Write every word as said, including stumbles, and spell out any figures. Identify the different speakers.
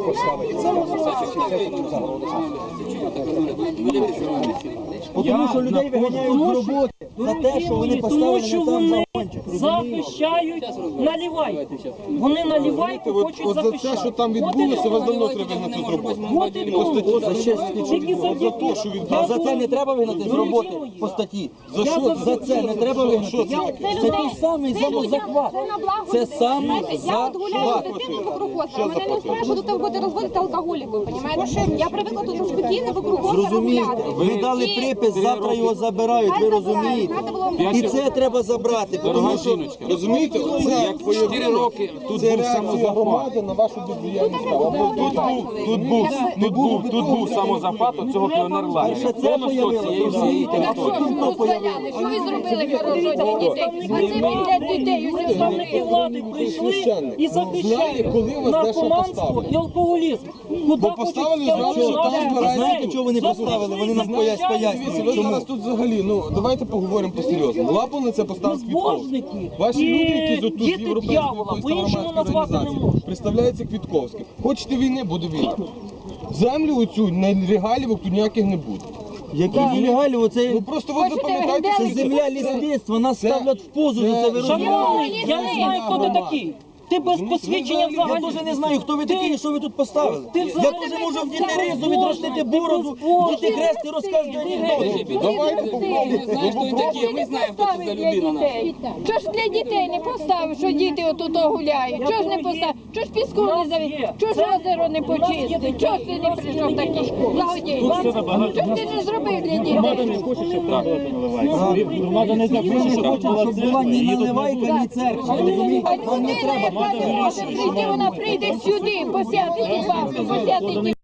Speaker 1: Тому що людей виганяють з роботи за те, що вони поставили не там загончик.
Speaker 2: Захищають наливайку. Вони наливайку хочуть захищати.
Speaker 3: За те, що там відбулося, вас давно треба вигнати з роботи.
Speaker 2: От і тут.
Speaker 1: За ще А за це не треба вигнати з роботи по статті. За що? За це не треба вигнати. Це той самий самозахват. Це самий
Speaker 4: Я от гуляю з дитиною вокруг озера, мене не спрашивают, тут буде розводити алкоголікою, понімаєте? Я привикла тут спокійно вокруг озера гуляти.
Speaker 1: Ви дали припис, завтра його забирають, ви розумієте? І це треба забрати, тому що,
Speaker 3: розумієте, це як по чотири роки тут був самозахват на вашу бездіяльність. Тут був, тут був, тут був самозахват цього піонерлагеря.
Speaker 1: перше це появилося.
Speaker 4: Що ви зробили хорошого для дітей? А це для дітей.
Speaker 2: Представники влади прийшли і захищають наркоманство і алкоголізм. Куди
Speaker 3: поставили, знали, що там збирають.
Speaker 1: Знаєте, чого вони поставили? Вони нам пояснюють.
Speaker 3: Ви зараз тут взагалі, ну, давайте поговоримо по-серйозному. Лапу на це поставив Квітковський. Ваші люди, які тут з європейської громадської організації, представляються Квітковським. Хочете війни, буде війна. Землю оцю, нелегалівок тут ніяких не буде.
Speaker 1: Які нелегалі, оце
Speaker 3: Ну просто ви запам'ятайте,
Speaker 1: це земля лісництва, нас ставлять в позу за це, ви розумієте?
Speaker 2: Шановний, я не знаю, хто ти такий. Ти без посвідчення
Speaker 1: Я
Speaker 2: взагалі.
Speaker 1: дуже не знаю, хто ви такі і що ви тут поставили.
Speaker 2: Ти
Speaker 1: Я
Speaker 2: взагалі
Speaker 1: дуже можу в
Speaker 2: ти
Speaker 1: діти ризу відростити бороду, діти хрест і розказувати анекдоти.
Speaker 3: давайте
Speaker 4: Ви знаєте, хто це за людина. Чого ж для дітей не поставив, що діти отут гуляють? Чого ж не поставив? Чого ж піску не завів? Чого ж озеро не почистив? Чого ж ти не прийшов такий благодійний? Чого ж ти не зробив для дітей?
Speaker 1: Громада не захоче, щоб була ні наливайка, ні церква. Розумієте? Нам не треба.
Speaker 4: Вона може прийти, вона прийде сюди, посяти ті бабки, посяти ті.